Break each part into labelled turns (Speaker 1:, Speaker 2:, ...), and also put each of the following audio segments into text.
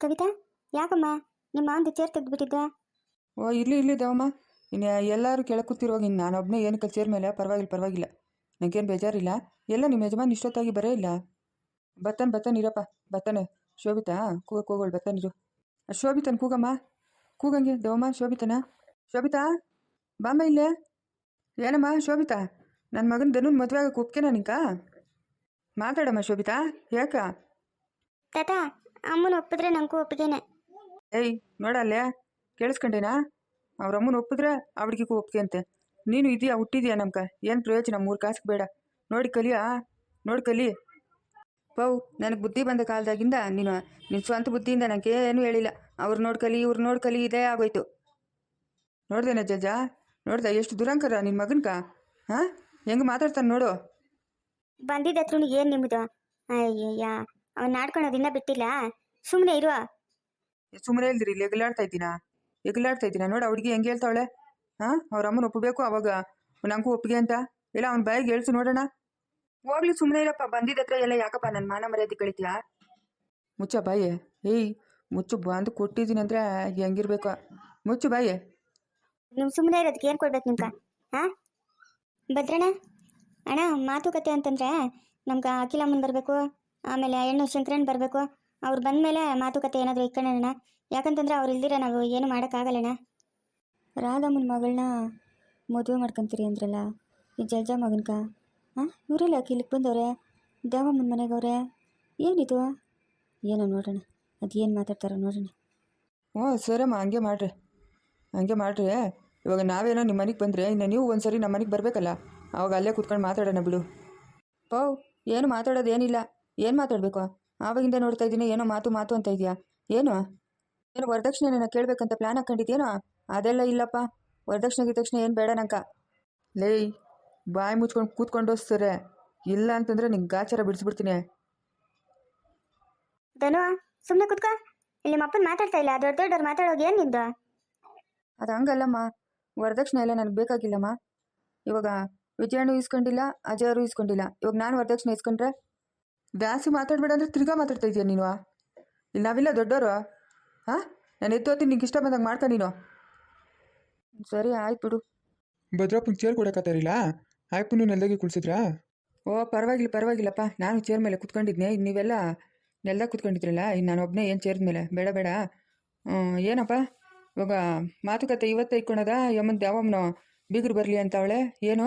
Speaker 1: ಕವಿತಾ, ಯಾಕಮ್ಮ ನಿಮ್ಮ ಮಾವಂದು ಚೇರ್ ತೆಗೆದುಬಿಟ್ಟಿದ್ದೆ?
Speaker 2: ಓ ಇರಲಿ ದೇವಮ್ಮ. ಇನ್ನು ಎಲ್ಲರೂ ಕೆಳಗೆ ಕೂತಿರುವಾಗ ಇನ್ನು ನಾನೊಬ್ಬನೇ ಏನಕ್ಕೆ ಚೇರ್ ಮೇಲೆ ಪರವಾಗಿಲ್ಲ. ನನಗೇನು ಬೇಜಾರಿಲ್ಲ. ಎಲ್ಲ ನಿಮ್ಮ ಯಜಮಾನ್ ಇಷ್ಟೊತ್ತಾಗಿ ಬರೇ ಇಲ್ಲ. ಬತ್ತಾನೆ ಇರಪ್ಪ ಬತ್ತಾನೆ. ಶೋಭಿತಾ ಕೂಗಕ್ಕೆ ಹೋಗೋಳು, ಬತ್ತಾನಿರು. ಶೋಭಿತನ ಕೂಗಮ್ಮ, ಕೂಗಂಗೆ ದೇವಮ್ಮ. ಶೋಭಿತಾ ಬಾಮ್ಮ ಇಲ್ಲೇ. ಏನಮ್ಮ ಶೋಭಿತಾ, ನನ್ನ ಮಗನ ಧನುನ್ ಮದುವೆ ಆಗಕ್ಕೆ ಒಪ್ಕೆನಾ ನಿಂಕ? ಮಾತಾಡಮ್ಮ ಶೋಭಿತಾ, ಯಾಕ?
Speaker 1: ತಾತ, ಅಮ್ಮನ ಒಪ್ಪಿದ್ರೆ ನನಗೂ ಒಪ್ಪಿಗೆನೆ.
Speaker 2: ಏಯ್ ನೋಡಲ್ಲೇ, ಕೇಳಿಸ್ಕೊಂಡೇನಾ? ಅವ್ರ ಅಮ್ಮನ ಒಪ್ಪಿದ್ರೆ ಅವಳಿಗೂ ಒಪ್ಪಿಗೆ ಅಂತೆ. ನೀನು ಇದೆಯಾ, ಹುಟ್ಟಿದ್ಯಾ ನಮ್ಕ? ಏನು ಪ್ರಯೋಜನ? 3 ಕಾಸಿಗೆ ಬೇಡ. ನೋಡಿ ಕಲಿ. ಪೌ, ನನಗೆ ಬುದ್ಧಿ ಬಂದ ಕಾಲದಾಗಿಂದ ನಿನ್ನ ಸ್ವಂತ ಬುದ್ಧಿಯಿಂದ ನನಗೆ ಏನೂ ಹೇಳಿಲ್ಲ. ಅವ್ರು ನೋಡ್ಕಲಿ ಇದೇ ಆಗೋಯ್ತು. ನೋಡ್ದೇನ ಜಜ್ಜ? ನೋಡ್ದೆ ಎಷ್ಟು ದುರಂಕರ ನಿನ್ನ ಮಗನ್ಕ? ಹಾಂ, ಹೆಂಗೆ ಮಾತಾಡ್ತಾನೆ ನೋಡು.
Speaker 1: ಬಂದಿದ್ದ ಹತ್ರ ಏನು ನಿಮ್ಮದು? ಅಯ್ಯಯ್ಯ, ಅವ್ನು ನಾಡ್ಕೊಳೋದಿನ್ನ ಬಿಟ್ಟಿಲ್ಲ. ಸುಮ್ಮನೆ ಇರುವ.
Speaker 2: ಸುಮ್ಮನೆ ಇಲ್ದಿರಿ, ಇಲ್ಲಿ ಎಗಲಾಡ್ತಾ ಇದ್ದೀನ ನೋಡು. ಹುಡುಗಿ ಹೆಂಗೆ ಹೇಳ್ತಾವಳೆ? ಹಾಂ, ಅವ್ರ ಅಮ್ಮನ ಒಪ್ಪಬೇಕು, ಅವಾಗ ನಂಗೂ ಒಪ್ಪಿಗೆ ಅಂತ. ಇಲ್ಲ ಅವ್ನ ಬಾಯಿಗೆ ಹೇಳ್ಸು ನೋಡೋಣ. ಹೋಗ್ಲಿ ಸುಮ್ಮನೆ ಇರಪ್ಪ. ಬಂದಿದ್ದತ್ರ ಎಲ್ಲ ಯಾಕಪ್ಪ ನನ್ನ ಮಾನ ಮರ್ಯಾದೆ ಕಳಿತೀಯಾ? ಮುಚ್ಚ ಬಾಯಿ. ಏಯ್ ಮುಚ್ಚು, ಬಂದು ಕೊಟ್ಟಿದ್ದೀನಿ ಅಂದರೆ ಹೆಂಗಿರ್ಬೇಕು? ಮುಚ್ಚು ಬಾಯಿ.
Speaker 1: ನೀವು ಸುಮ್ಮನೆ ಇರೋದಕ್ಕೆ ಏನು ಕೊಡ್ಬೇಕು ನಿಮ್ಗೆ? ಹಾಂ ಭದ್ರಣ್ಣ ಅಣ್ಣ, ಮಾತುಕತೆ ಅಂತಂದರೆ ನಮ್ಗೆ ಅಖಿಲಮ್ಮನ ಬರಬೇಕು, ಆಮೇಲೆ ಹೆಣ್ಣು ಶಂಕರಣ್ಣ ಬರಬೇಕು. ಅವ್ರು ಬಂದಮೇಲೆ ಮಾತುಕತೆ ಏನಾದರೂ ಇಟ್ಕೊಳ್ಳೋಣ. ಯಾಕಂತಂದ್ರೆ ಅವ್ರು ಇಲ್ದಿರ ನಾವು ಏನು ಮಾಡೋಕ್ಕಾಗಲ್ಲಣ್ಣ. ರಾಧಮ್ಮನ ಮಗಳನ್ನ ಮದುವೆ ಮಾಡ್ಕೊತೀರಿ ಅಂದ್ರಲ್ಲ, ಈ ಜಲ್ಜ ಮಗನ್ಕ? ಹಾಂ, ಇವರೆಲ್ಲ ಇಲ್ಲಿಗೆ ಬಂದವ್ರೆ, ದೇವಮ್ಮನ ಮನೆಗವ್ರೆ. ಏನಿದು? ಏನೋ ನೋಡೋಣ, ಅದು ಏನು ಮಾತಾಡ್ತಾರೋ ನೋಡೋಣ.
Speaker 2: ಹ್ಞೂ ಸರಮ್ಮ, ಹಂಗೆ ಮಾಡ್ರಿ. ಇವಾಗ ನಾವೇನೋ ನಿಮ್ಮ ಮನೆಗೆ ಬಂದರೆ ಇನ್ನು ನೀವು ಒಂದ್ಸರಿ ನಮ್ಮ ಮನೆಗೆ ಬರಬೇಕಲ್ಲ, ಅವಾಗ ಅಲ್ಲೇ ಕೂತ್ಕೊಂಡು ಮಾತಾಡೋಣ ಬಿಡು. ಪೌ, ಏನು ಮಾತಾಡೋದೇನಿಲ್ಲ. ಏನು ಮಾತಾಡಬೇಕು? ಆವಾಗಿಂದ ನೋಡ್ತಾ ಇದ್ದೀನಿ, ಏನೋ ಮಾತು ಅಂತ ಇದೆಯಾ? ಏನು ವರದಕ್ಷಿಣೆನ ಕೇಳಬೇಕಂತ ಪ್ಲ್ಯಾನ್ ಹಾಕ್ಕೊಂಡಿದ್ದೇನೋ? ಅದೆಲ್ಲ ಇಲ್ಲಪ್ಪ. ವರದಕ್ಷಿಣೆ ಏನು ಬೇಡ ನಂಕ. ಲೇಯ್, ಬಾಯಿ ಮುಚ್ಕೊಂಡು ಕೂತ್ಕೊಂಡು ಸರಿ, ಇಲ್ಲ ಅಂತಂದರೆ ನಿಂಗೆ ಗಾಚಾರ ಬಿಡಿಸ್ಬಿಡ್ತೀನಿ.
Speaker 1: ಧನು, ಸುಮ್ಮನೆ ಕೂತ್ಕೋ. ಇಲ್ಲಿ ಅಪ್ಪನ ಮಾತಾಡ್ತಾ ಇಲ್ಲ, ದೊಡ್ಡವ್ರು ಮಾತಾಡೋದು ಏನು ನಿಂದು?
Speaker 2: ಅದು ಹಂಗಲ್ಲಮ್ಮ, ವರದಕ್ಷಿಣೆ ಎಲ್ಲ ನನಗೆ ಬೇಕಾಗಿಲ್ಲಮ್ಮ. ಇವಾಗ ವಿಜಯಣ್ಣು ಇಸ್ಕೊಂಡಿಲ್ಲ, ಅಜಯರು ಇಸ್ಕೊಂಡಿಲ್ಲ. ಇವಾಗ ನಾನು ವರದಕ್ಷಿಣೆ ಇಸ್ಕೊಂಡ್ರೆ ಜಾಸ್ತಿ ಮಾತಾಡಬೇಡ ಅಂದರೆ ತಿರ್ಗಾ ಮಾತಾಡ್ತಾ ಇದೆಯಾ ನೀನು? ಇಲ್ಲಿ ನಾವಿಲ್ಲ ದೊಡ್ಡವರು? ಹಾಂ, ನಾನು ಎತ್ತೋತೀನಿ, ನಿಂಗೆ ಇಷ್ಟ ಬಂದಂಗೆ ಮಾಡ್ತಾ ನೀನು. ಸರಿ ಆಯ್ತು ಬಿಡು.
Speaker 3: ಭದ್ರಪ್ಪನ ಚೇರ್ ಕೊಡಕತ್ತಾರಿಲ್ಲ, ಆಯ್ಪನ್ನು ನೆಲದಾಗೆ ಕುಳ್ಸಿದ್ರಾ?
Speaker 2: ಓ ಪರವಾಗಿಲ್ಲಪ್ಪ. ನಾನು ಚೇರ್ ಮೇಲೆ ಕುತ್ಕೊಂಡಿದ್ನೆ, ನೀವೆಲ್ಲ ನೆಲದಾಗ ಕುತ್ಕೊಂಡಿದ್ರಲ್ಲ, ಇನ್ನು ನಾನು ಒಬ್ಬನೇ ಏನು ಚೇರ್ ಮೇಲೆ? ಬೇಡ. ಏನಪ್ಪ ಇವಾಗ ಮಾತುಕತೆ ಇವತ್ತೇ ಇಟ್ಕೊಳದ? ಯಮ್ಮನ ಯಾವಮ್ಮನ ಬೀಗರು ಬರಲಿ ಅಂತ ಅವಳೆ. ಏನು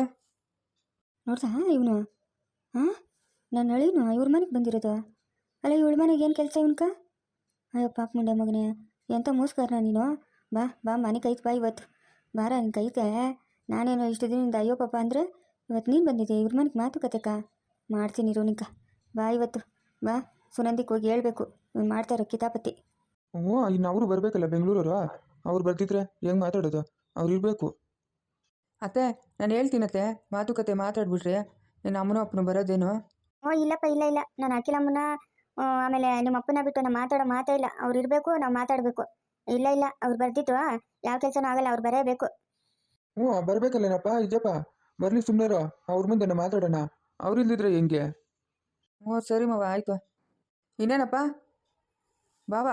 Speaker 1: ನೋಡ್ತಾ ಇವನು? ಹಾಂ, ನನ್ನ ಅಳಿನು ಇವ್ರ ಮನೆಗೆ ಬಂದಿರೋದು. ಅಲ್ಲ, ಇವಳ ಮನೆಗೆ ಏನು ಕೆಲಸ ಇವನ್ಕ? ಅಯ್ಯೋ ಪಾಪ ಮುಂಡೆ ಮಗನೇ, ಎಂಥ ಮೋಸ್ಕರನ ನೀನು. ಬಾ ಮನೆ ಕೈತೆ ಬಾ ಇವತ್ತು. ಬಾರ ನಿನ್ನ ಕೈತೆ. ನಾನೇನೋ ಇಷ್ಟು ದಿನದಿಂದ ಅಯ್ಯೋ ಪಾಪ ಅಂದರೆ ಇವತ್ತು ನೀನು ಬಂದಿದ್ದೆ ಇವ್ರ ಮನೆಗೆ ಮಾತುಕತೆಕ್ಕ. ಮಾಡ್ತೀನಿ ಇರು ನಿಂಕ. ಬಾ ಇವತ್ತು ಬಾ. ಸುನಂದಿಗೆ ಹೋಗಿ ಹೇಳ್ಬೇಕು ಇವ್ನು ಮಾಡ್ತಾರೋ ಕಿತಾಪತಿ.
Speaker 3: ಹ್ಞೂ, ಇನ್ನು ಅವರು ಬರಬೇಕಲ್ಲ ಬೆಂಗಳೂರವರು. ಅವ್ರು ಬರ್ತಿದ್ರೆ ಹೆಂಗೆ ಮಾತಾಡೋದು? ಅವ್ರು ಇರಬೇಕು.
Speaker 2: ಅತ್ತೆ, ನಾನು ಹೇಳ್ತೀನತ್ತೆ, ಮಾತುಕತೆ ಮಾತಾಡ್ಬಿಟ್ರೆ ನನ್ನ ಅಮ್ಮನೂ ಅಪ್ಪನೂ ಬರೋದೇನು?
Speaker 1: ಇಲ್ಲಪ್ಪ, ಇಲ್ಲ. ನಾನು ಅಖಿಲಮ್ಮನ ಆಮೇಲೆ ನಿಮ್ಮ ಅಪ್ಪನ ಬಿಟ್ಟು ನಾವು ಮಾತಾಡೋ ಮಾತೇ ಇಲ್ಲ. ಅವ್ರು ಇರಬೇಕು, ನಾವು ಮಾತಾಡಬೇಕು. ಇಲ್ಲ ಅವ್ರು ಬರ್ದಿತ್ತು ಯಾವ ಕೆಲಸನೂ ಆಗಲ್ಲ, ಅವ್ರು ಬರೇಬೇಕು.
Speaker 3: ಹ್ಞೂ, ಬರಬೇಕಲ್ಲೇನಪ್ಪ. ಇದ್ದಪ್ಪ ಬರಲಿ, ಸುಮ್ಮನೆ ಅವ್ರ ಮುಂದೆ ಮಾತಾಡೋಣ. ಅವ್ರು ಇಲ್ದಿದ್ರೆ ಹೆಂಗೆ?
Speaker 2: ಹ್ಞೂ ಸರಿ ಮಾವ, ಆಯಿತು. ಇನ್ನೇನಪ್ಪ ಬಾವಾ,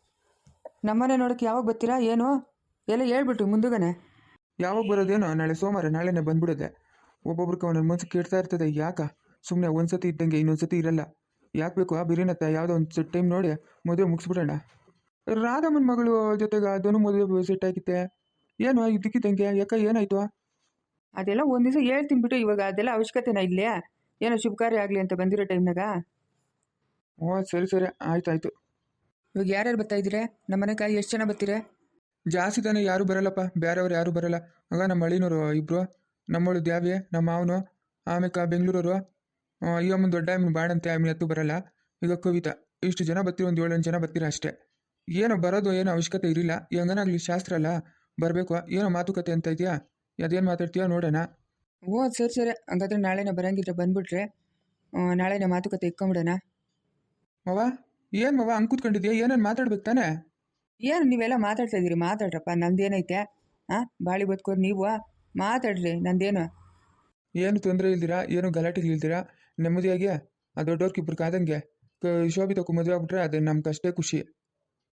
Speaker 2: ನಮ್ಮನೆ ನೋಡೋಕ್ಕೆ ಯಾವಾಗ ಬರ್ತೀರಾ? ಏನು ಎಲ್ಲ ಹೇಳ್ಬಿಟ್ರಿ ಮುಂದುಗನೆ.
Speaker 3: ಯಾವಾಗ ಬರೋದೇನೋ? ನಾಳೆ ಸೋಮವಾರ, ನಾಳೆನೇ ಬಂದ್ಬಿಡೋದೆ. ಒಬ್ಬೊಬ್ರಿಗೆ ಒಂದೊಂದು ಮನ್ಸು ಕೇಳ್ತಾ ಇರ್ತದೆ. ಯಾಕ ಸುಮ್ಮನೆ ಒಂದ್ಸತಿ ಇದ್ದಂಗೆ ಇನ್ನೊಂದ್ಸತಿ ಇರಲ್ಲ. ಯಾಕೆ ಬೇಕು ಆ ಬಿರಿನತ್ತ? ಯಾವುದೋ ಒಂದು ಟೈಮ್ ನೋಡಿ ಮದುವೆ ಮುಗಿಸ್ಬಿಡೋಣ. ರಾಧಮ್ಮನ ಮಗಳು ಜೊತೆಗೆ ಅದನ್ನು ಮದುವೆ ಸೆಟ್ ಆಗಿತ್ತೆ. ಏನು ಇದಕ್ಕಿದ್ದಂಗೆ? ಯಾಕೆ ಏನಾಯ್ತು?
Speaker 2: ಅದೆಲ್ಲ ಒಂದು ದಿವಸ ಹೇಳ್ತೀನಿ ಬಿಟ್ಟು, ಇವಾಗ ಅದೆಲ್ಲ ಅವಶ್ಯಕತೆನಾ ಇಲ್ಲೇ? ಏನೋ ಶುಭ ಕಾರ್ಯ ಆಗಲಿ ಅಂತ ಬಂದಿರೋ ಟೈಮ್ನಾಗ.
Speaker 3: ಹ್ಞೂ ಸರಿ ಆಯ್ತಾಯ್ತು.
Speaker 2: ಇವಾಗ ಯಾರ್ಯಾರು ಬರ್ತಾ ಇದ್ದೀರಾ ನಮ್ಮ ಮನೆಗೆ? ಎಷ್ಟು ಜನ ಬರ್ತೀರಾ?
Speaker 3: ಜಾಸ್ತಿ ತಾನೇ ಯಾರು ಬರಲ್ಲಪ್ಪ, ಬೇರೆಯವ್ರು ಯಾರು ಬರಲ್ಲ. ಆಗ ನಮ್ಮ ಹಳ್ಳಿನವರು ಇಬ್ಬರು, ನಮ್ಮಳು ದ್ಯಾವ್ಯ, ನಮ್ಮ ಮಾವನು, ಆಮೇಲೆ ಬೆಂಗಳೂರವರು, ಈ ಅಮ್ಮನ ದೊಡ್ಡ ಅಮ್ಮನ ಬಾಡಂತೆ, ಅಮ್ಮನ ಎತ್ತು ಬರಲ್ಲ. ಈಗ ಕವಿತಾ, ಇಷ್ಟು ಜನ ಬರ್ತೀವಿ, ಒಂದು 7-8 ಜನ ಬರ್ತೀರ ಅಷ್ಟೇ. ಏನೋ ಬರೋದು ಏನೋ ಅವಶ್ಯಕತೆ ಇರಲಿಲ್ಲ. ಹೆಂಗನಾಗ್ಲಿ ಶಾಸ್ತ್ರ ಅಲ್ಲ, ಬರಬೇಕು. ಏನೋ ಮಾತುಕತೆ ಅಂತ ಇದೆಯಾ? ಅದೇನು ಮಾತಾಡ್ತೀಯಾ ನೋಡೋಣ.
Speaker 2: ಓ ಸರಿ, ಹಂಗಾದ್ರೆ ನಾಳೆನೇ ಬರಂಗಿದ್ರೆ ಬಂದ್ಬಿಟ್ರೆ ನಾಳೆನೇ ಮಾತುಕತೆ ಇಟ್ಕೊಂಬಿಡೋಣ.
Speaker 3: ಮವ, ಏನು ಮವ ಹಂಗೆ ಕೂತ್ಕೊಂಡಿದ್ಯಾ? ಏನೇನು ಮಾತಾಡ್ಬೇಕು ತಾನೆ?
Speaker 2: ಏನು ನೀವೆಲ್ಲ ಮಾತಾಡ್ತಾ ಇದ್ದೀರಿ? ಮಾತಾಡ್ರಪ್ಪ, ನಂದೇನೈತೆ? ಹಾಂ, ಬಾಳಿ ಬದುಕೋರು ನೀವು, ಮಾತಾಡ್ರಿ, ನಂದೇನು?
Speaker 3: ಏನು ತೊಂದರೆ ಇಲ್ದಿರಾ, ಏನು ಗಲಾಟೆಗಳಿಲ್ದಿರಾ ನೆಮ್ಮದಿಯಾಗಿ ಆ ದೊಡ್ಡವ್ರಿಗಿಬ್ರು ಕಾದಂಗೆ ಶೋಭಿತಕ್ಕೂ ಮದುವೆ ಆಗ್ಬಿಟ್ರೆ ಅದು ನಮ್ಗೆ ಅಷ್ಟೇ ಖುಷಿ.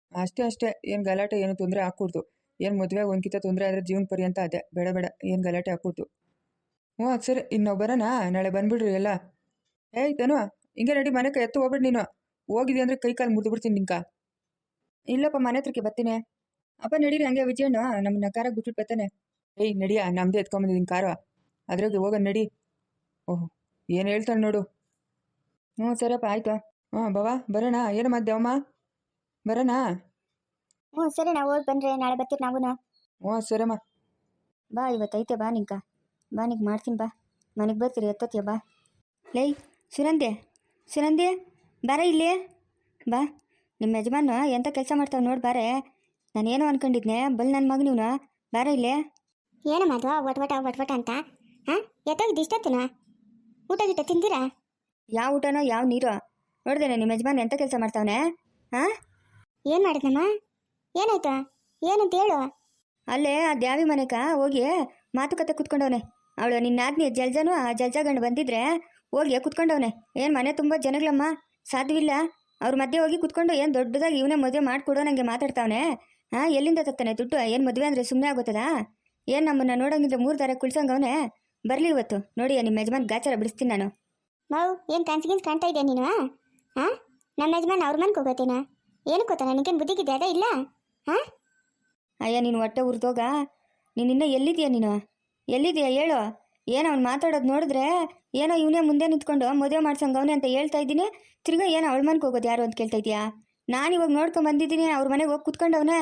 Speaker 2: ಅಷ್ಟೇ ಅಷ್ಟೇ, ಏನು ಗಲಾಟೆ ಏನು ತೊಂದರೆ ಹಾಕ್ಕೊಡ್ತು. ಏನು ಮದುವೆಗೆ ಒಂದ್ಕಿತ ತೊಂದರೆ ಆದರೆ ಜೀವನ ಪರ್ಯಂತ ಅದೇ, ಬೇಡ ಬೇಡ, ಏನು ಗಲಾಟೆ ಹಾಕ್ಕೊಡ್ತು. ಹ್ಞೂ ಅದು ಸರಿ, ಇನ್ನು ನಾವು ಬರೋಣ, ನಾಳೆ ಬಂದ್ಬಿಡ್ರಿ ಎಲ್ಲ. ಏಯ್ ತನು, ಹಿಂಗೆ ನಡಿ, ಮನೆ ಕೈ ಎತ್ತು ಹೋಗ್ಬಿಡು ನೀನು. ಹೋಗಿದ್ದೆ ಅಂದರೆ ಕೈ ಕಾಲು ಮುರಿದು ಬಿಡ್ತೀನಿ ನಿಂಕ. ಇಲ್ಲಪ್ಪ, ಮನೆ ಹತ್ರಕ್ಕೆ ಬರ್ತೀನಿ. ಅಪ್ಪ ನಡೀರಿ, ಹಂಗೆ ವಿಜಯಣ್ಣ ನಮ್ಮನ್ನ ಕಾರಾಗ ಬಿಟ್ಬಿಟ್ಟು ಬರ್ತಾನೆ. ಏಯ್ ನಡಿಯ, ನಮ್ಮದೇ ಎತ್ಕೊಂಬಂದಿದ್ದೀನಿ ಕಾರು, ಅದ್ರಾಗೆ ಹೋಗೋಣ ನಡಿ. ಓಹ್, ಏನು ಹೇಳ್ತಾನೆ ನೋಡು. ಹ್ಞೂ ಸರಿಯಪ್ಪ, ಆಯಿತು. ಹ್ಞೂ ಬಾವಾ, ಬರೋಣ. ಏನು ಮಧ್ಯಾವಮ್ಮ, ಬರೋಣ?
Speaker 1: ಹ್ಞೂ ಸರಿ, ನಾವು ಹೋಗಿ ಬಂದರೆ ನಾಳೆ ಬರ್ತೀರಿ ನಾವು.
Speaker 2: ಹ್ಞೂ ಸರಮ್ಮ.
Speaker 1: ಬಾ, ಇವತ್ತೈತೆ ಬಾ ನಿಂಕ, ಬಾ ನಿಂಗೆ ಮಾಡ್ತೀನಿ ಬಾ. ಮನೆಗೆ ಬರ್ತೀರಿ ಎತ್ತೋತಿಯ ಬಾ. ಲೈ ಸುನಂದೆ, ಸುನಂದೆ ಬಾರ ಇಲ್ಲಿ ಬಾ. ನಿಮ್ಮ ಯಜಮಾನ ಎಂಥ ಕೆಲಸ ಮಾಡ್ತಾವೆ ನೋಡಿ ಬಾರೆ. ನಾನೇನೋ ಅನ್ಕೊಂಡಿದ್ನೆ, ಬಲ್ ನನ್ನ ಮಗ ನೀನು, ಬಾರ ಇಲ್ಲೇ. ಏನಮ್ಮ ಅದು ಒಟ್ವಟ ಅಂತ? ಹಾಂ, ಎತ್ತೋಗಿದ್ದು ಇಷ್ಟೊತ್ತನ ಊಟ ಗಿಟ್ಟ ತಿಂದಿರಾ? ಯಾವ ಊಟನೋ ಯಾವ ನೀರು ನೋಡ್ದೇನೆ ನಿಮ್ಮ ಯಜಮಾನ ಎಂಥ ಕೆಲಸ ಮಾಡ್ತಾವನೆ. ಹಾಂ, ಏನು ಮಾಡಿದ್ನಮ್ಮ? ಏನಾಯ್ತಾ? ಏನಂತ ಹೇಳು. ಅಲ್ಲೇ ಆ ದ್ಯಾವಿ ಮನೆಗ ಹೋಗಿ ಮಾತುಕತೆ ಕುತ್ಕೊಂಡವನೆ. ಅವಳು ನಿನ್ನ ಆದ್ನಿ ಜಲ್ಜಾನು ಆ ಜಲ್ಜಾಗಂಡು ಬಂದಿದ್ರೆ ಹೋಗಿ ಕುತ್ಕೊಂಡವನೆ. ಏನು ಮನೆ ತುಂಬ ಜನಗಳಮ್ಮ, ಸಾಧ್ಯವಿಲ್ಲ. ಅವ್ರ ಮಧ್ಯೆ ಹೋಗಿ ಕುತ್ಕೊಂಡು ಏನು ದೊಡ್ಡದಾಗಿ ಇವನೇ ಮದುವೆ ಮಾಡಿಕೊಡೋ ನನಗೆ ಮಾತಾಡ್ತಾವನೆ. ಹಾಂ, ಎಲ್ಲಿಂದ ತತ್ತಾನೆ ದುಡ್ಡು? ಏನು ಮದುವೆ ಅಂದರೆ ಸುಮ್ಮನೆ ಆಗೋತದ? ಏನು ನಮ್ಮನ್ನು ನೋಡೋಂಗಿದ್ರೆ 3 ದಾರ ಕುಳ್ಸಂಗವನೆ. ಬರಲಿ ಇವತ್ತು ನೋಡಿ ನಿಮ್ಮ ಯಜಮಾನ್ ಗಾಚಾರ ಬಿಡಿಸ್ತೀನಿ ನಾನು. ನಾವು ಏನು ಕನ್ಸಿಗಿನ್ಸ್ ಕಾಣ್ತಾ ಇದೆಯಾ ನೀನು? ಹಾಂ, ನಮ್ಮ ಯಜಮಾನ್ ಅವ್ರ ಮನೆಗೆ ಹೋಗೋತೇನ? ಏನಕ್ಕೆ ಗೊತ್ತಾ, ನನಗೇನು ಬುದ್ಧಿಗಿದೆ ಅದೇ ಇಲ್ಲ? ಹಾಂ, ಅಯ್ಯ ನೀನು ಹೊಟ್ಟೆ ಉರಿದೋಗ. ನೀನಿನ್ನ ಎಲ್ಲಿದೆಯಾ? ನೀನು ಎಲ್ಲಿದೆಯಾ ಹೇಳು. ಏನೋ ಅವ್ನು ಮಾತಾಡೋದು ನೋಡಿದ್ರೆ ಏನೋ ಇವನೇ ಮುಂದೆ ನಿಂತ್ಕೊಂಡು ಮದುವೆ ಮಾಡ್ಸಂಗವನೆ ಅಂತ ಹೇಳ್ತಾ ಇದ್ದೀನಿ. ತಿರ್ಗಾ ಏನೋ ಅವಳ ಮನೆಗೆ ಹೋಗೋದು ಯಾರು ಅಂತ ಕೇಳ್ತಾ ಇದೆಯಾ? ನಾನು ಇವಾಗ ನೋಡ್ಕೊಂಡು ಬಂದಿದ್ದೀನಿ, ಅವ್ರ ಮನೆಗೆ ಹೋಗಿ ಕುತ್ಕೊಂಡವನೇ.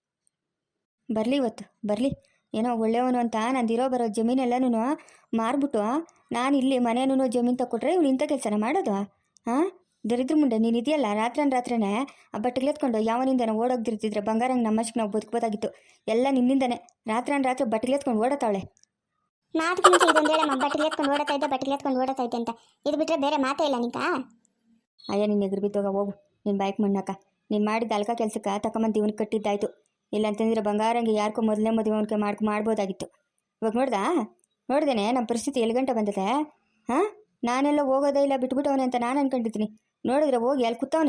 Speaker 1: ಬರಲಿ ಇವತ್ತು ಬರಲಿ. ಏನೋ ಒಳ್ಳೆಯವನು ಅಂತ ನಂದಿರೋ ಬರೋ ಜಮೀನೆಲ್ಲನೂ ಮಾರ್ಬಿಟ್ಟು ನಾನು ಇಲ್ಲಿ ಮನೇನೂ ಜಮೀನು ತಗೊಟ್ರೆ ಇವ್ನು ಇಂಥ ಕೆಲಸನ ಮಾಡೋದು? ಹಾಂ, ದರಿದ್ರ ಮುಂದೆ ನೀನು ಇದೆಯಲ್ಲ, ರಾತ್ರಿನೇ ಆ ಬಟ್ಟೆಗ್ಲೆತ್ಕೊಂಡು ಯಾವನಿಂದನೋ ಓಡೋಗ್ದಿರ್ತಿದ್ರೆ ಬಂಗಾರಂಗೆ ನಮ್ಮಷ್ಟಕ್ಕೆ ನಾವು ಬದುಕಬೋದಾಗಿತ್ತು. ಎಲ್ಲ ನಿನ್ನಿಂದನೇ ರಾತ್ರಿ ಬಟ್ಟೆಗ್ಲೆತ್ಕೊಂಡು ಓಡತಾವಳೆ. ಮಾತು ಮುಂಚೆ ಇದೊಂದು ಹೇಳಮ್ಮ, ಬಟ್ಟೆಗ್ಲೆತ್ಕೊಂಡು ಓಡತಾ ಇದ್ದೆ ಅಂತ. ಇದು ಬಿಟ್ಟರೆ ಬೇರೆ ಮಾತೇ ಇಲ್ಲ ನಿಂಕ. ಅಯ್ಯ ನಿನ್ನ ಎದುರು ಬಿದ್ದೋಗ ಹೋಗು, ನಿನ್ನ ಬೈಕ್ ಮಣ್ಣಾಕ. ನೀನು ಮಾಡಿದ ಅಲ್ಕ ಕೆಲಸಕ್ಕೆ ತಗೊಂಬಂದು ಇವನಿಗೆ ಕಟ್ಟಿದ್ದಾಯ್ತು. ಇಲ್ಲ ಅಂತಂದ್ರೆ ಬಂಗಾರಂಗೆ ಯಾರಿಗೂ ಮೊದಲನೇ ಮದುವೆ ಅವನಿಗೆ ಮಾಡ್ಬೋದಾಗಿತ್ತು. ಇವಾಗ ನೋಡ್ದೇನೆ ನಮ್ಮ ಪರಿಸ್ಥಿತಿ ಎಲ್ಲಿ ಗಂಟೆ ಬಂದಿದೆ. ಹಾಂ, ನಾನೆಲ್ಲ ಹೋಗೋದೇ ಇಲ್ಲ, ಬಿಟ್ಬಿಟ್ಟವನೆ ಅಂತ ನಾನು ಅನ್ಕೊಂಡಿದ್ದೀನಿ. ನೋಡಿದ್ರೆ ಹೋಗಿ ಅಲ್ಲಿ ಕೂತವನೆ.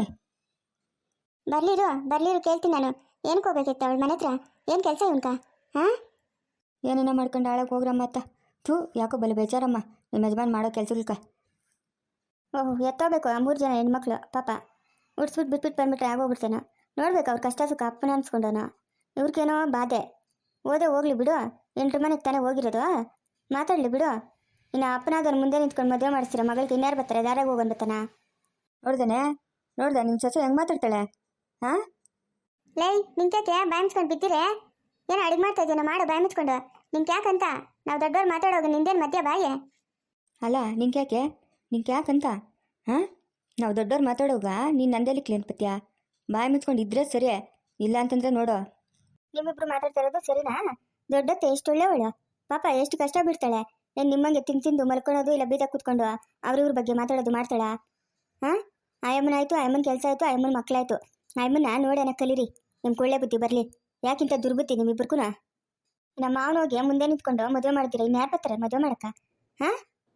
Speaker 1: ಬರ್ಲಿರು ಕೇಳ್ತೀನಿ ನಾನು. ಏನಕ್ಕೆ ಹೋಗ್ಬೇಕಿತ್ತು ಅವಳ ಮನೆ ಹತ್ರ? ಏನು ಕೆಲಸ ಇವನ್ಕ? ಹಾಂ, ಏನೇನೋ ಮಾಡ್ಕೊಂಡು ಹಾಳಾಗಿ ಹೋಗ್ರಮ್ಮ ಅತ್ತ. ಯಾಕೋ ಬಲೆ ಬೇಜಾರಮ್ಮ ನಿಮ್ಮ ಯಜಮಾನ್ ಮಾಡೋ ಕೆಲಸಕ್ಕ. ಓಹ್, ಎತ್ತೋಬೇಕು ಆ 3 ಜನ ಹೆಣ್ಮಕ್ಳು ಪಾಪ. ಉಡ್ಸ್ಬಿಟ್ಟು ಬಿಟ್ಬಿಟ್ಟು ಬಂದ್ಬಿಟ್ರೆ ಆಗೋಗ್ಬಿಡ್ತೇನೋ. ನೋಡ್ಬೇಕು ಅವ್ರ ಕಷ್ಟ ಸುಖ ಅಪ್ಪನ ಅನ್ಸ್ಕೊಂಡವನು. ಇವ್ರಿಗೇನೋ ಬಾಧೆ. ಹೋಗ್ಲಿ ಬಿಡು, 8 ಮನೆಗೆ ತಾನೇ ಹೋಗಿರೋದು, ಮಾತಾಡಲಿ ಬಿಡು. ಇನ್ನು ಅಪ್ಪನಾದವ್ರು ಮುಂದೆ ನಿಂತ್ಕೊಂಡು ಮದುವೆ ಮಾಡಿಸ್ತೀರ ಮಗಳಿಗೆ ಇನ್ಯಾರು ಬರ್ತಾರೆ? ದಾರಾಗ ಹೋಗೋನ್ ಬತ್ತಾನ? ನೋಡ್ದೆ ನಿಮ್ಮ ಸೊಸೆ ಹೆಂಗೆ ಮಾತಾಡ್ತಾಳೆ? ಹಾಂ, ಲೈ ನಿಂಕ್ಯಾಕೆ ಬಾಯಿ ಮುಚ್ಕೊಂಡು ಬಿದ್ದಿರೆ? ಏನೋ ಅಡಿಗೆ ಮಾಡ್ತಾ ಇದ್ದೀನ, ಮಾಡು ಬಾಯಿ ಮುಚ್ಕೊಂಡು. ನಿಂಗೆ ಯಾಕಂತ? ನಾವು ದೊಡ್ಡವ್ರು ಮಾತಾಡೋದು ನಿಂದೇನು ಮಧ್ಯ ಬಾಯಿ? ಅಲ್ಲ ನಿಂಗೆ ಯಾಕಂತ? ಹಾಂ, ನಾವು ದೊಡ್ಡವ್ರು ಮಾತಾಡೋಗ ನೀನು ನಂದೇಲಿ ಕ್ಲೇನ್ ಪತ್ಯ? ಬಾಯಿ ಮುಚ್ಕೊಂಡು ಇದ್ರೆ ಸರಿ, ಇಲ್ಲ ಅಂತಂದ್ರೆ ನೋಡು. ನಿಮ್ಮಿಬ್ರು ಮಾತಾಡ್ತಾ ಇರೋದು ಸರಿನಾ? ದೊಡ್ಡತ್ತೆ ಎಷ್ಟು ಒಳ್ಳೆವಳು ಪಾಪ, ಎಷ್ಟು ಕಷ್ಟ ಬಿಡ್ತಾಳೆ. ಏನು ನಿಮ್ಮಂಗೆ ತಿಂದು ಮಲ್ಕೊಳೋದು ಇಲ್ಲ ಬೀದ ಕೂತ್ಕೊಂಡು ಅವ್ರಿವ್ರ ಬಗ್ಗೆ ಮಾತಾಡೋದು ಮಾಡ್ತಾಳ? ಹಾಂ, ಆಯಮ್ಮನಾಯ್ತು, ಆಯಮ್ಮನ ಕೆಲಸ ಆಯಿತು, ಆಯಮ್ಮನ ಮಕ್ಕಳಾಯ್ತು. ಆಯಮ್ಮನ ನೋಡೋಣ ಕಲೀರಿ, ನಿಮ್ಮ ಕೊಳ್ಳೆ ಬುದ್ಧಿ ಬರಲಿ. ಯಾಕಿಂತ ದುರ್ಬುದ್ಧಿ ನಿಮ್ಮಿಬ್ರಿಗೂ? ನಮ್ಮ ಮಾವನೋಗಿ ಮುಂದೆ ನಿಂತ್ಕೊಂಡು ಮದುವೆ ಮಾಡ್ತೀರ, ಇನ್ನು ಯಾರು ಬರ್ತಾರೆ ಮದುವೆ ಮಾಡಕ್ಕ? ಹಾಂ,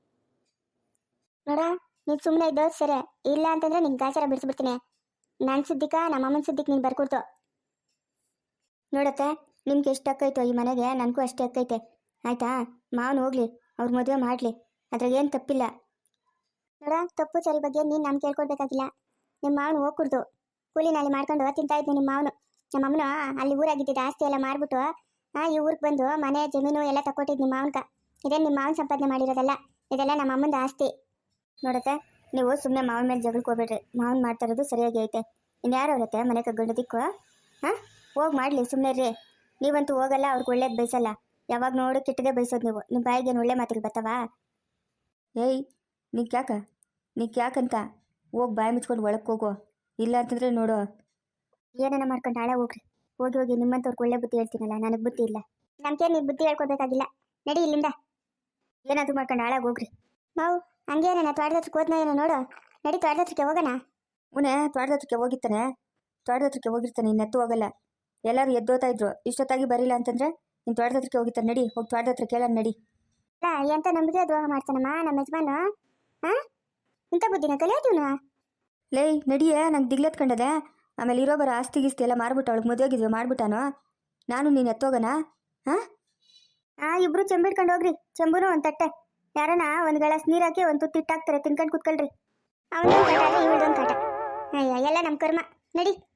Speaker 1: ನೋಡ ನೀನು ಸುಮ್ಮನೆ ಇದ್ದೋದು ಸರಿ, ಇಲ್ಲ ಅಂತಂದ್ರೆ ನಿಂಗೆ ಗಾಚಾರ ಬಿಡಿಸ್ಬಿಡ್ತೀನಿ. ನನ್ನ ಸುದ್ದಿಕ ನಮ್ಮ ಅಮ್ಮನ ಸುದ್ದಿಗೆ ನೀನು ಬರ್ಕೊಡ್ತು. ನೋಡತ್ತೆ, ನಿಮ್ಗೆ ಎಷ್ಟು ಅಕ್ಕೈತೋ ಈ ಮನೆಗೆ, ನನಗೂ ಅಷ್ಟೇ ಅಕ್ಕೈತೆ ಆಯ್ತಾ? ಮಾವನು ಹೋಗ್ಲಿ, ಅವ್ರ ಮದುವೆ ಮಾಡಲಿ, ಅದ್ರಾಗ ಏನು ತಪ್ಪಿಲ್ಲ. ನೋಡ, ತಪ್ಪು ಸರಿ ಬಗ್ಗೆ ನೀನು ನಾನು ಕೇಳ್ಕೊಡ್ಬೇಕಾಗಿಲ್ಲ. ನಿಮ್ಮ ಮಾವನು ಹೋಗ್ಕೊಡ್ದು ಕೂಲಿ ನಾಳೆ ಮಾಡ್ಕೊಂಡು ತಿಂತಾ ಇದ್ನು ನಿಮ್ಮ ಮಾವನು. ನಮ್ಮ ಅಮ್ಮನ ಅಲ್ಲಿ ಊರಾಗಿದ್ದಿದ್ದು ಆಸ್ತಿ ಎಲ್ಲ ಮಾರ್ಬಿಟ್ಟು ಈ ಊರಿಗೆ ಬಂದು ಮನೆ ಜಮೀನು ಎಲ್ಲ ತಗೊಟ್ಟಿದ್ದು ನಿಮ್ಮ ಮಾವನ್ಕ. ಇದೇನು ನಿಮ್ಮ ಮಾವನ ಸಂಪಾದನೆ ಮಾಡಿರೋದಲ್ಲ, ಇದೆಲ್ಲ ನಮ್ಮ ಅಮ್ಮಂದು ಆಸ್ತಿ. ನೋಡತ್ತೆ, ನೀವು ಸುಮ್ಮನೆ ಮಾವನ ಮೇಲೆ ಜಗಳಕ್ಕೆ ಹೋಗ್ಬೇಡ್ರಿ. ಮಾವನ್ ಮಾಡ್ತಾ ಇರೋದು ಸರಿಯಾಗಿ ಐತೆ. ಇನ್ಯಾರು ಅವರತ್ತೆ ಮನೆ ಕಗ್ಗಂಡು ದಿಕ್ಕು? ಹಾಂ, ಹೋಗಿ ಮಾಡಲಿ, ಸುಮ್ಮನೆ ರೀ. ನೀವಂತೂ ಹೋಗಲ್ಲ, ಅವ್ರಿಗೆ ಒಳ್ಳೇದು ಬಯಸಲ್ಲ. ಯಾವಾಗ ನೋಡು ಕೆಟ್ಟದೇ ಬಯಸೋದು ನೀವು. ನಿಮ್ಮ ಬಾಯಿಗೇನು ಒಳ್ಳೆ ಮಾತಿಗೆ ಬರ್ತಾವಾ? ಏಯ್, ನೀನು ಯಾಕಂತ ಹೋಗಿ ಬಾಯಿ ಮುಚ್ಕೊಂಡು ಒಳಕ್ಕೆ ಹೋಗು. ಇಲ್ಲ ಅಂತಂದರೆ ನೋಡು ಏನೇನ ಮಾಡ್ಕೊಂಡು ಹಾಳೆ ಹೋಗಿ ನಿಮ್ಮಂಥವ್ರಿಗೆ ಒಳ್ಳೆ ಬುದ್ಧಿ ಹೇಳ್ತೀನಲ್ಲ, ನನಗೆ ಬುದ್ಧಿ ಇಲ್ಲ. ನಮ್ಗೆ ನೀವು ಬುದ್ಧಿ ಹೇಳ್ಕೊಡ್ಬೇಕಾಗಿಲ್ಲ, ನಡಿ ಇಲ್ಲಿಂದ. ಏನಾದರೂ ಮಾಡ್ಕೊಂಡು ಹಾಳಾಗಿ ಹೋಗ್ರಿ. ನಾವು ಹಂಗೇನ ತೋಟದ ಹತ್ರಕ್ಕೆ ಹೋದ್ನ ಏನೋ ನೋಡು, ನಡಿ ತೋಟದ ಹತ್ರಕ್ಕೆ ಹೋಗೋಣ. ಮುನೆ ತೋಟದ ಹತ್ರಕ್ಕೆ ಹೋಗಿರ್ತಾನೆ, ಇನ್ನೆತ್ತು ಹೋಗಲ್ಲ. ಎಲ್ಲರೂ ಎದ್ದೋತಾ ಇದ್ರು, ಇಷ್ಟೊತ್ತಾಗಿ ಬರಿಲ್ಲ ಅಂತಂದ್ರೆ ನೀನು ತೋಟದ ಹತ್ರಕ್ಕೆ ಹೋಗಿರ್ತಾನೆ. ನಡಿ, ಹೋಗಿ ತೋಟದ ಹತ್ರ ಕೇಳೋಣ ನಡಿ. ಎಂತ ನಂಬಿಕೆ ದ್ರೋಹ ಮಾಡ್ತಾನಮ್ಮ ನಮ್ಮ ಯಜಮಾನ. ಹಾಂ, ಇಂಥ ಬುದ್ಧಿನ ಕಲಿಯೋದು. ಲೇ ನಡಿಯೇ, ನಂಗೆ ದಿಗ್ಲೆತ್ಕೊಂಡದೆ. ಆಮೇಲೆ ಇರೋ ಬರೋ ಆಸ್ತಿ ಗೀಸ್ತಿ ಎಲ್ಲ ಮಾರ್ಬಿಟ್ಟು ಅವಳಿಗೆ ಮದುವೆಗಿದ್ವಿ ಮಾಡ್ಬಿಟ್ಟಾನೋ ನಾನು ನೀನು ಎತ್ತೋಗನ ಹಾಂ ಇಬ್ರು ಚೆಂಬಿಡ್ಕೊಂಡು ಹೋಗ್ರಿ ಚೆಂಬುನು ಒಂದು ತಟ್ಟೆ ಯಾರನ ಒಂದು ಗ್ಲಾಸ್ ನೀರು ಹಾಕಿ ಒಂದು ತುತ್ತು ಇಟ್ಟಾಕ್ತಾರೆ ತಿನ್ಕೊಂಡು ಕುತ್ಕೊಳ್ರಿ ಅವನೊಂದು ಕಾಟ ಇವಳದೊಂದು ಕಾಟ ಅಯ್ಯ ಎಲ್ಲ ನಮ್ಮ ಕರ್ಮ ನಡಿ